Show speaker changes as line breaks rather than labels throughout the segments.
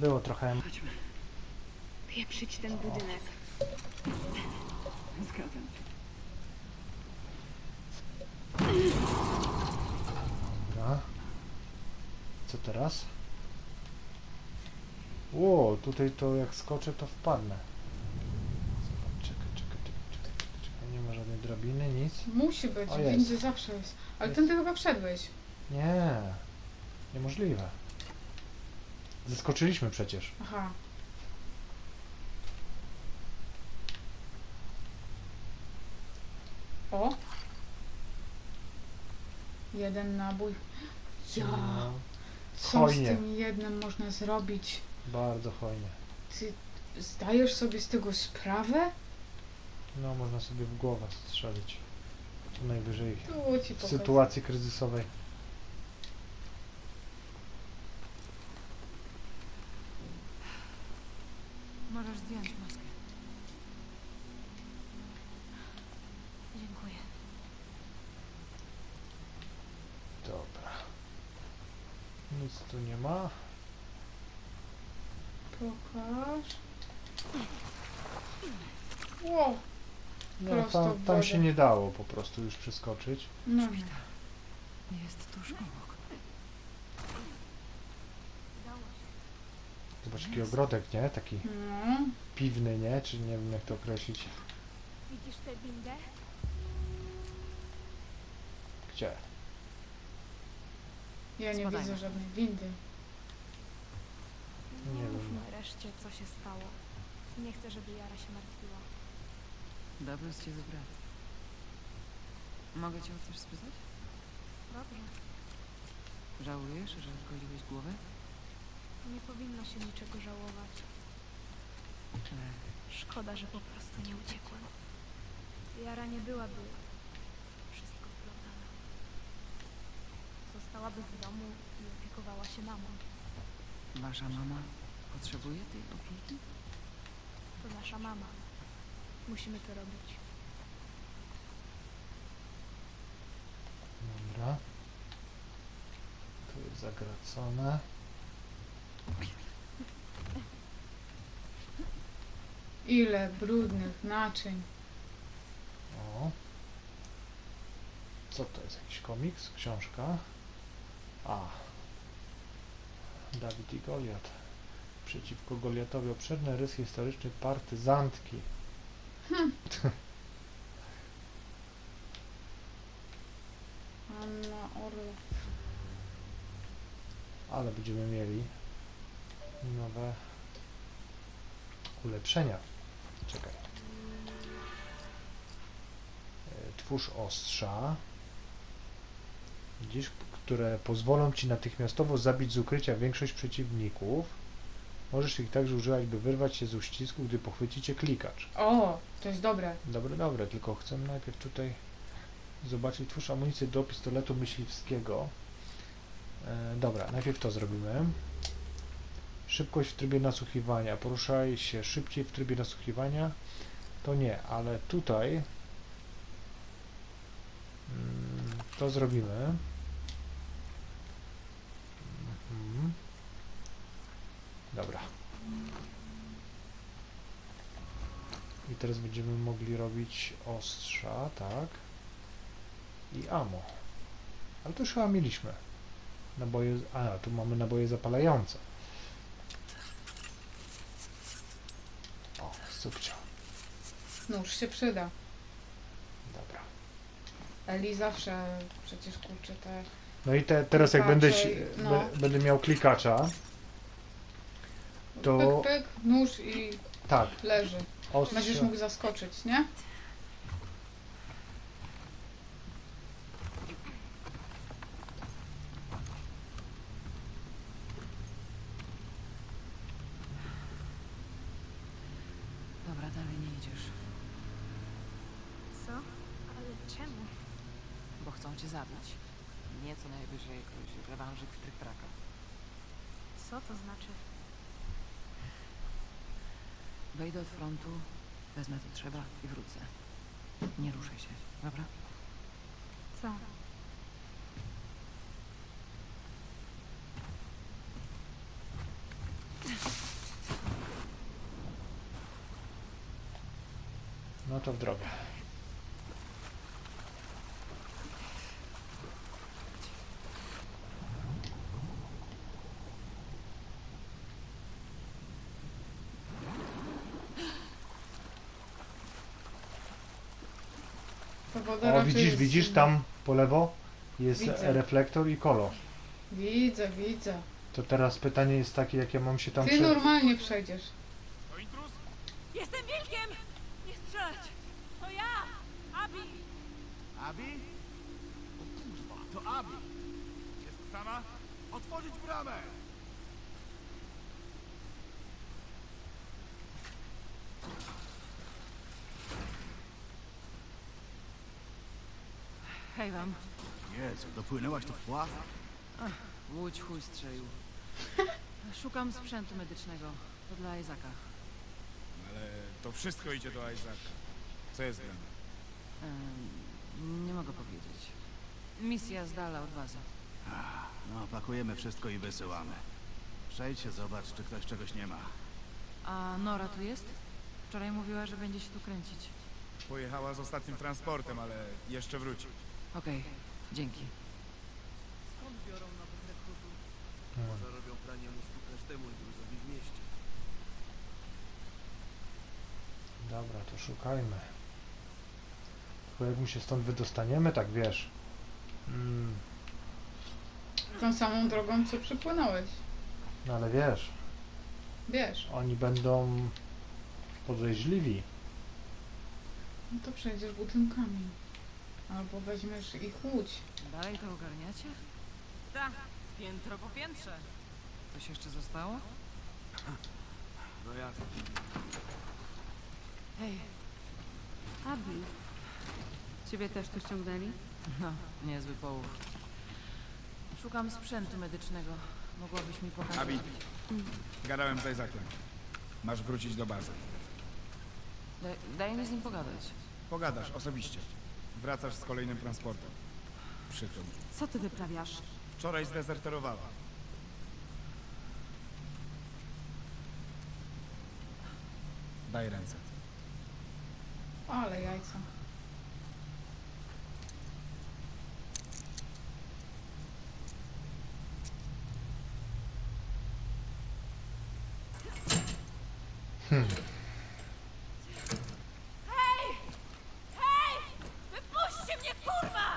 Było trochę...
Chodźmy.
Pieprzyć ten budynek.
Zgadzam się.
Dobra. Co teraz? Ło, tutaj to jak skoczę, to wpadnę. Zobacz, czekaj, nie ma żadnej drabiny, nic.
Musi być,
O, jest.
windy zawsze jest. Ale
Jest.
ten ty chyba wszedłeś.
Nie, niemożliwe. Zeskoczyliśmy przecież.
Aha. O! Jeden nabój. Ja!
No,
Co z
hojnie.
tym jednym można zrobić?
bardzo hojnie.
Ty zdajesz sobie z tego sprawę?
No, można sobie w głowę strzelić. Co najwyżej
Tu ci
w
pokażę.
sytuacji kryzysowej.
Możesz zdjąć maskę. Dziękuję.
Dobra. Nic tu nie ma.
Pokaż. Ło!
Nie,
Prosto w
tam
wodę.
się nie dało po prostu już przeskoczyć.
No nie.
Jest tuż obok.
Zobacz, jaki ogrodek, nie? Taki
No.
piwny, nie? Czy nie wiem, jak to określić.
Widzisz tę windę?
Gdzie?
Ja nie
Spadajmy.
widzę żadnej windy.
Nie wiem.
Mówmy reszcie, co się stało. Nie chcę, żeby Jara się martwiła.
Dobrze z ciebie brat. Mogę cię o coś spytać?
Dobrze.
Żałujesz, że zgodziłeś głowę?
Nie powinno się niczego żałować. Szkoda, że po prostu nie uciekłem. Jara nie byłaby wszystko wplątana. Zostałaby w domu i opiekowała się mamą.
Wasza mama potrzebuje tej opieki?
To nasza mama. Musimy to robić.
Dobra. Tu jest zagracone.
Ile brudnych naczyń.
O. Co to jest? Jakiś komiks? Książka? A. Dawid i Goliat. Przeciwko Goliatowi obszerny rys historyczny partyzantki.
Anna Orlow.
Ale będziemy mieli nowe ulepszenia. Czekaj. Twórz ostrza. Widzisz, które pozwolą ci natychmiastowo zabić z ukrycia większość przeciwników. Możesz ich także używać, by wyrwać się z uścisku, gdy pochwyci cię klikacz.
O, to jest dobre.
Dobre, tylko chcę najpierw tutaj zobaczyć. Twórz amunicję do pistoletu myśliwskiego. Dobra, najpierw to zrobimy. Szybkość w trybie nasłuchiwania. Poruszaj się szybciej w trybie nasłuchiwania. To nie, ale tutaj to zrobimy. Dobra. I teraz będziemy mogli robić ostrza, tak. I ammo. Ale to już chyba mieliśmy. Naboje... A, tu mamy naboje zapalające. O, subcio.
Nóż się przyda.
Dobra.
Eli zawsze przecież kurczę te...
No i teraz jak będę,
Klikacze, no.
będę miał klikacza, to
Pyk, pyk, nóż i
tak,
leży. Będziesz
ostrze.
mógł zaskoczyć, nie?
Dobra, dalej nie idziesz.
Co? Ale czemu?
Bo chcą cię zabić. Nie co najwyżej jakoś rewanżyk w tryk-traka.
Co to znaczy?
Wejdę od frontu, wezmę co trzeba i wrócę. Nie ruszaj się, dobra?
Co?
No to w drogę.
Ta woda
O,
raczej jest...
widzisz tam po lewo jest
Widzę.
reflektor i kolo.
Widzę, widzę.
To teraz pytanie jest takie, jak ja mam się tam
Ty normalnie przejdziesz.
To intruz?
Jestem wilkiem! Nie strzelać! To ja! Abi!
Abi? O kurwa, to Abi. Jest sama? Otworzyć bramę!
Hej wam.
Jezu, dopłynęłaś tu w pław?
Łódź chuj strzelił. Szukam sprzętu medycznego. To dla Izaka.
Ale to wszystko idzie do Isaaca. Co jest grane?
Nie mogę powiedzieć. Misja z dala od bazy.
No, pakujemy wszystko i wysyłamy. Przejdź się, zobacz, czy ktoś czegoś nie ma.
A Nora tu jest? Wczoraj mówiła, że będzie się tu kręcić.
Pojechała z ostatnim transportem, ale jeszcze wróci.
Okej, dzięki.
Może robią pranie mózgu każdemu intruzowi w mieście.
Dobra, to szukajmy. Tylko jak my się stąd wydostaniemy, tak wiesz.
Tą samą drogą, co przypłynąłeś.
No ale wiesz,
Wiesz.
oni będą podejrzliwi.
No to przejdziesz budynkami. Albo weźmiesz ich łódź.
Dalej to ogarniacie?
Tak, piętro po piętrze.
Coś jeszcze zostało?
No jasne.
Hej,
Abi, ciebie też tu ściągnęli?
no, niezły połów. Szukam sprzętu medycznego. Mogłabyś mi pokazać?
Abi, gadałem z Isaaciem. Masz wrócić do bazy.
Daj mi z nim pogadać.
Pogadasz osobiście. Wracasz z kolejnym transportem. Przykro mi.
Co ty wyprawiasz?
Wczoraj zdezerterowała. Daj ręce.
Ale jajca.
Wypuśćcie mnie, kurwa!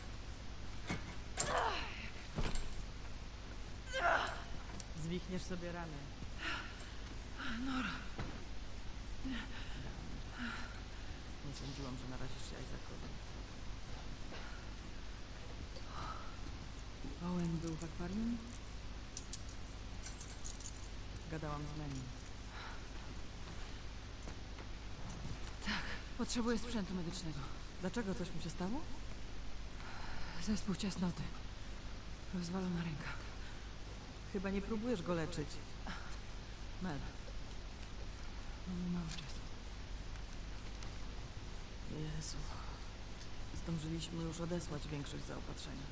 Zwichniesz sobie ramię. Nie sądziłam, że narazisz się Isaacowi. Owen był w akwarium? Gadałam z Manny. Tak, potrzebuję sprzętu medycznego. Dlaczego? Coś mu się stało? Zespół ciasnoty. Rozwalona ręka. Chyba nie próbujesz go leczyć. Mel. Mamy mało czasu. Jezu. Zdążyliśmy już odesłać większość zaopatrzenia.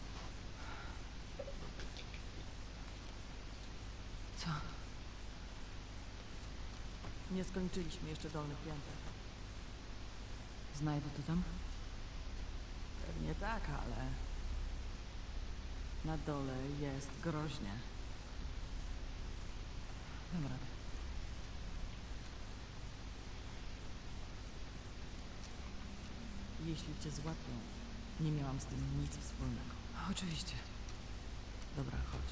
Co? Nie skończyliśmy jeszcze dolnych pięter. Znajdę to tam? Pewnie tak, ale... Na dole jest groźnie. Dam radę. Jeśli cię złapią, nie miałam z tym nic wspólnego. Oczywiście. Dobra, chodź.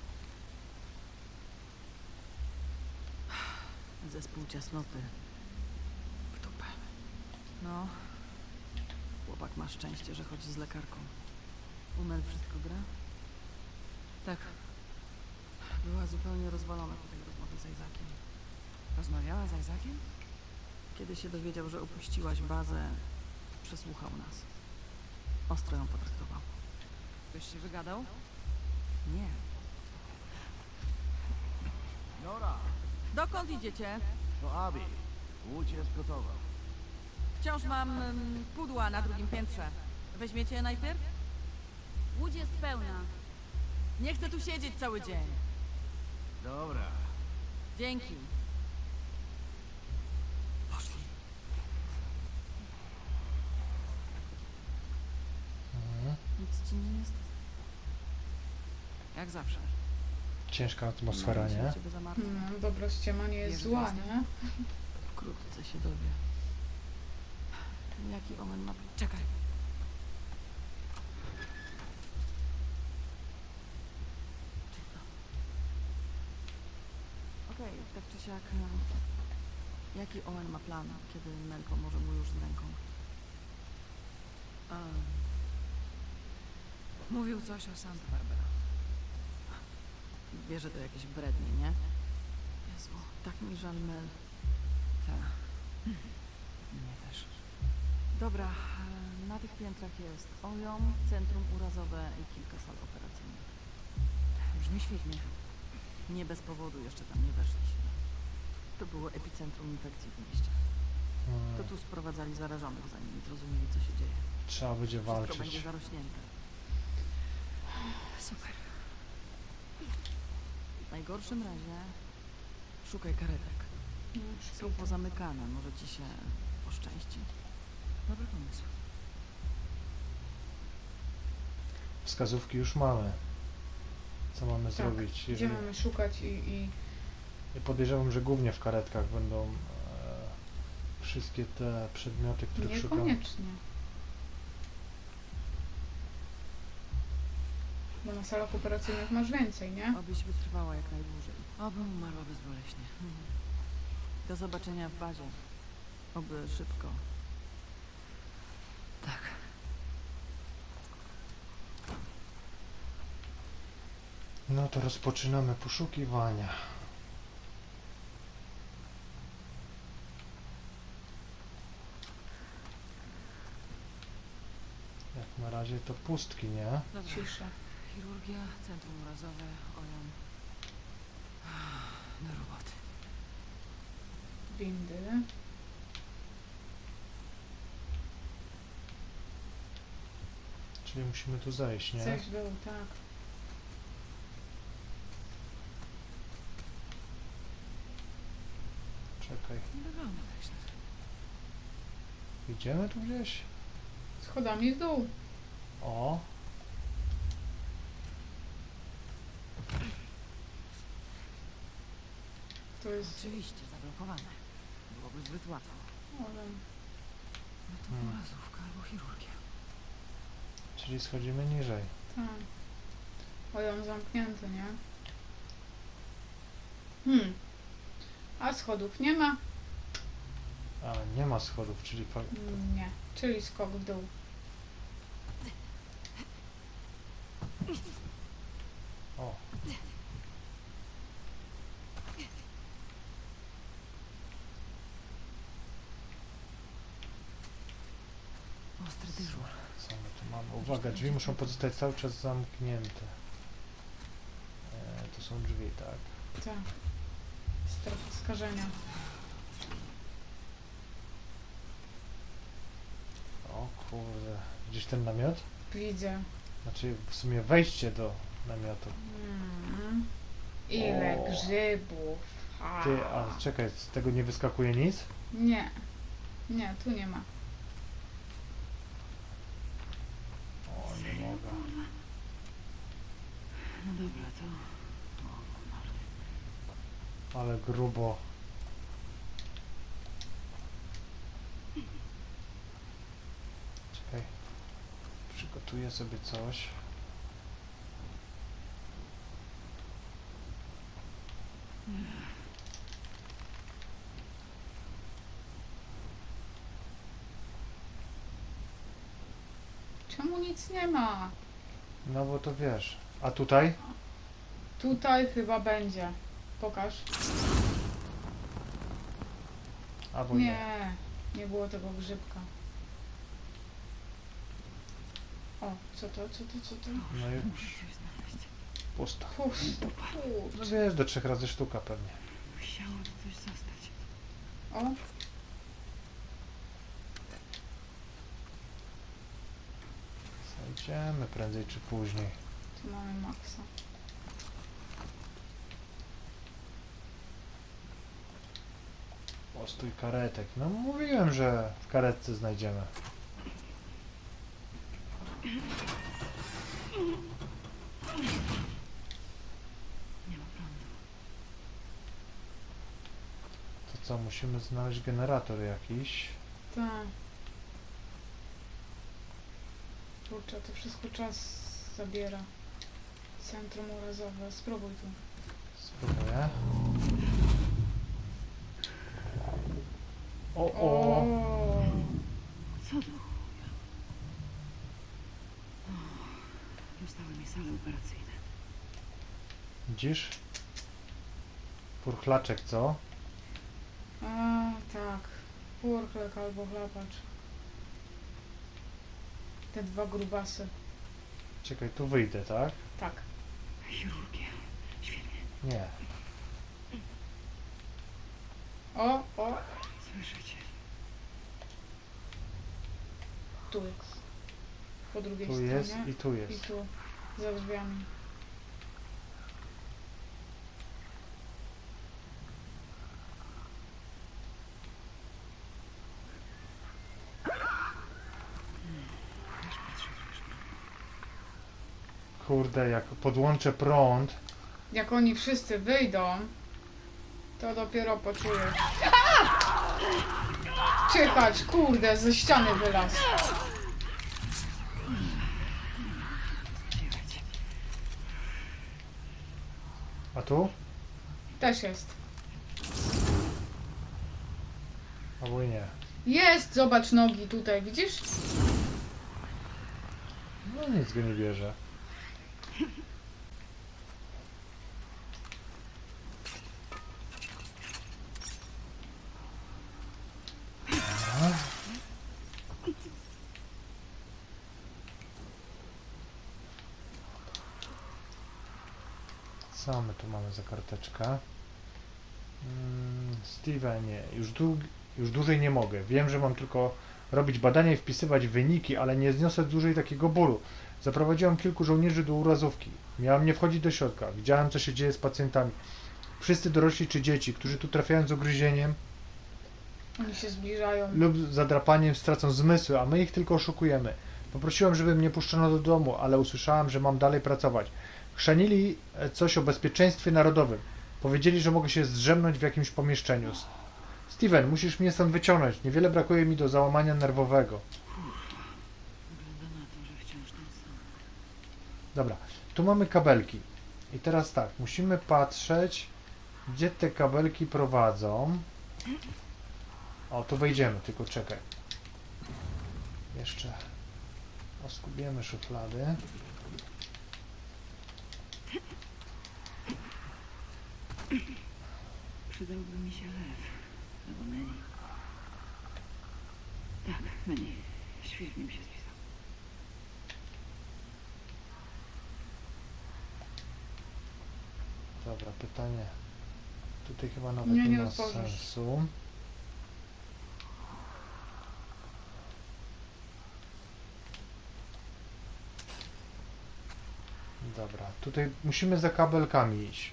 Zespół ciasnoty. W dupę. No. Chłopak ma szczęście, że chodzi z lekarką. U Mel wszystko gra? Tak. Była zupełnie rozwalona po tej rozmowie z Isaaciem. Rozmawiała z Isaaciem? Kiedy się dowiedział, że opuściłaś bazę, przesłuchał nas. Ostro ją potraktował. Ktoś się wygadał? Nie.
Nora,
Dokąd idziecie?
to Abi. Łódź jest gotowa.
Wciąż mam pudła na drugim piętrze. Weźmiecie je najpierw?
Łódź jest pełna.
Nie chcę tu siedzieć cały dzień.
Dobra.
Dzięki.
Poszli.
ci nie jest? Jak zawsze.
Ciężka atmosfera,
Się
nie?
o ciebie zamartwiam.
No, dobra ściema nie jest
Wiesz,
zła,
gwiazdy?
nie?
Wkrótce się dowie. Jaki omen ma... Czekaj. Czysto. Okej, tak czy siak... Jaki Owen ma plan, kiedy Mel pomoże mu już z ręką? Mówił coś o Santa Barbara. Wie, że to jakieś brednie, nie? Jezu, tak mi żal Mel. Tak. Mnie też. Dobra, na tych piętrach jest OJOM, centrum urazowe i kilka sal operacyjnych. Brzmi świetnie. Nie bez powodu jeszcze tam nie weszliśmy. To było epicentrum infekcji w mieście. To tu sprowadzali zarażonych, zanim zrozumieli, co się dzieje.
Trzeba będzie
Wszystko będzie
walczyć.
zarośnięte. Super. W najgorszym razie szukaj karetek.
No,
Są pozamykane, może ci się poszczęści. Dobry pomysł.
Wskazówki już mamy. Co mamy
Tak,
zrobić?
Gdzie
Jeżeli...
mamy szukać i
I podejrzewam, że głównie w karetkach będą wszystkie te przedmioty, których szukam.
niekoniecznie. Bo na salach operacyjnych masz więcej, nie?
Obyś wytrwała jak najdłużej. Obym umarła bezboleśnie. Do zobaczenia w bazie. Oby szybko. Tak.
No to rozpoczynamy poszukiwania. Jak na razie to pustki, nie?
Dobra.
Cisza.
Chirurgia, centrum urazowe, OJOM. Do roboty.
Windy.
Czyli musimy tu zejść, nie?
Zejść w dół, tak.
Czekaj.
Nie wygląda tak źle.
Idziemy tu gdzieś?
Schodami w dół.
O!
To jest...
Oczywiście, zablokowane. Byłoby zbyt łatwo.
Ale...
No to urazówka albo chirurgia.
Czyli schodzimy niżej.
Tak. Ojon zamknięty, nie? A schodów nie ma?
A, nie ma schodów, czyli...
Nie. Czyli skok w dół.
O!
Ostry dyżur.
Co my tu mamy? Uwaga, drzwi muszą pozostać cały czas zamknięte. To są drzwi, tak.
Tak. Strefa skażenia.
O kurde. Widzisz ten namiot?
Widzę.
Znaczy w sumie wejście do namiotu.
Ile
O.
grzybów.
Ty, a czekaj, z tego nie wyskakuje nic?
Nie. Nie, tu nie ma.
O, nie mogę.
No dobra, to...
Ale grubo. Czekaj. Przygotuję sobie coś.
Czemu nic nie ma?
No bo to wiesz. A tutaj?
Tutaj chyba będzie. Pokaż.
Albo nie.
Nie. Nie było tego grzybka. O, co to?
No i
Muszę coś znaleźć.
pusto.
Pusto.
No wiesz, do 3 razy sztuka pewnie.
Musiało tu coś zostać.
O,
Zajdziemy prędzej czy później.
tu mamy Maxa.
Postój karetek. No mówiłem, że w karetce znajdziemy. co, musimy znaleźć generator jakiś.
Tak. Kurczę, to wszystko czas zabiera. Centrum urazowe. Spróbuj tu.
Spróbuję. O, o!
O!
Co to? Dostały mi sale operacyjne.
Widzisz? Purchlaczek, co?
A, tak. Purchlek albo chlapacz. Te dwa grubasy.
Czekaj, tu wyjdę, tak?
Tak.
Chirurgia. Świetnie.
Nie.
O, o!
Słyszycie?
Tu jest. Po drugiej
Tu
stronie.
jest i tu
I
jest.
tu. Za drzwiami.
Kurde, jak podłączę prąd,
Jak oni wszyscy wyjdą, to dopiero poczujesz. Czyhać, kurde, ze ściany wylazł.
a tu?
Też jest.
Albo i nie.
Jest, zobacz nogi tutaj, widzisz?
No nic go nie bierze. Dobra. Co my tu mamy za karteczkę? Stevenie, już dłużej nie mogę. Wiem, że mam tylko robić badania i wpisywać wyniki, ale nie zniosę dłużej takiego bólu. Zaprowadziłem kilku żołnierzy do urazówki. Miałem nie wchodzić do środka. Widziałem, co się dzieje z pacjentami. Wszyscy dorośli czy dzieci, którzy tu trafiają z ugryzieniem
Oni się zbliżają.
lub zadrapaniem, stracą zmysły, a my ich tylko oszukujemy. Poprosiłem, żeby mnie puszczono do domu, ale usłyszałem, że mam dalej pracować. Chrzanili coś o bezpieczeństwie narodowym. Powiedzieli, że mogę się zdrzemnąć w jakimś pomieszczeniu. Steven, musisz mnie stąd wyciągnąć. Niewiele brakuje mi do załamania nerwowego.
Wygląda na to, że wciąż ten sam.
Dobra, tu mamy kabelki. I teraz tak, musimy patrzeć, gdzie te kabelki prowadzą. O, tu wejdziemy, tylko czekaj. Jeszcze oskubiemy szuflady.
Przydałby mi się lew. Albo menu. Tak, menu. Świetnie mi się spisał.
Dobra, pytanie. Tutaj chyba nawet
Nie,
nie,
nie
ma
otworzysz.
sensu. Dobra, tutaj musimy za kabelkami iść.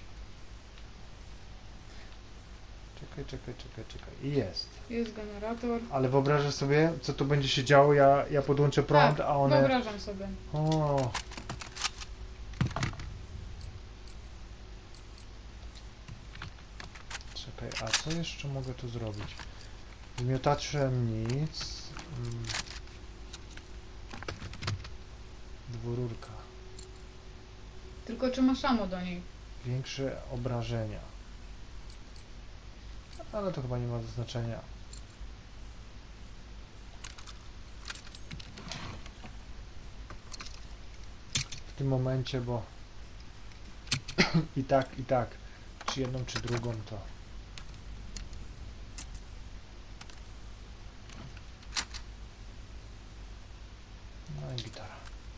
Czekaj. I jest.
Jest generator.
Ale wyobrażasz sobie, co tu będzie się działo? Ja podłączę prąd,
Tak,
a one...
wyobrażam sobie.
O. Czekaj, a co jeszcze mogę tu zrobić? Z miotaczem nic. Dwururka.
Tylko czy masz ammo do niej?
Większe obrażenia. Ale to chyba nie ma znaczenia. W tym momencie, bo i tak, czy jedną, czy drugą, to no i gitara.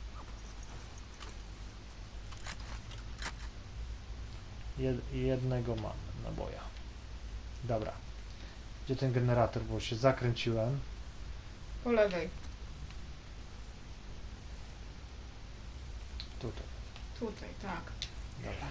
Jednego mam naboja. Dobra. Gdzie ten generator? Bo się zakręciłem.
Po lewej.
Tutaj.
Tutaj, tak.
Dobra.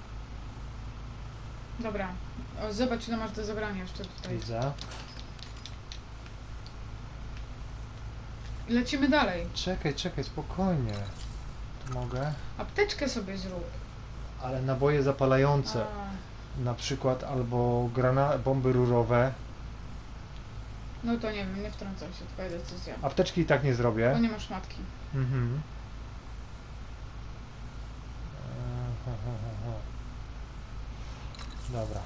Dobra. O, zobacz, ile masz do zabrania jeszcze tutaj.
Widzę.
lecimy dalej.
Czekaj, spokojnie. Tu mogę.
Apteczkę sobie zrób.
Ale naboje zapalające.
A,
Na przykład albo bomby rurowe.
no to nie wiem, nie wtrącam się, twoja decyzja.
Apteczki i tak nie zrobię.
Bo nie masz matki.
Mhm. Dobra.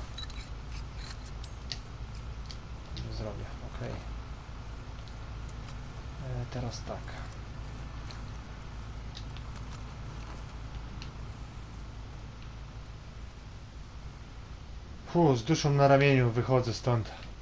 Nie zrobię, ok. Teraz tak. Z duszą na ramieniu wychodzę stąd.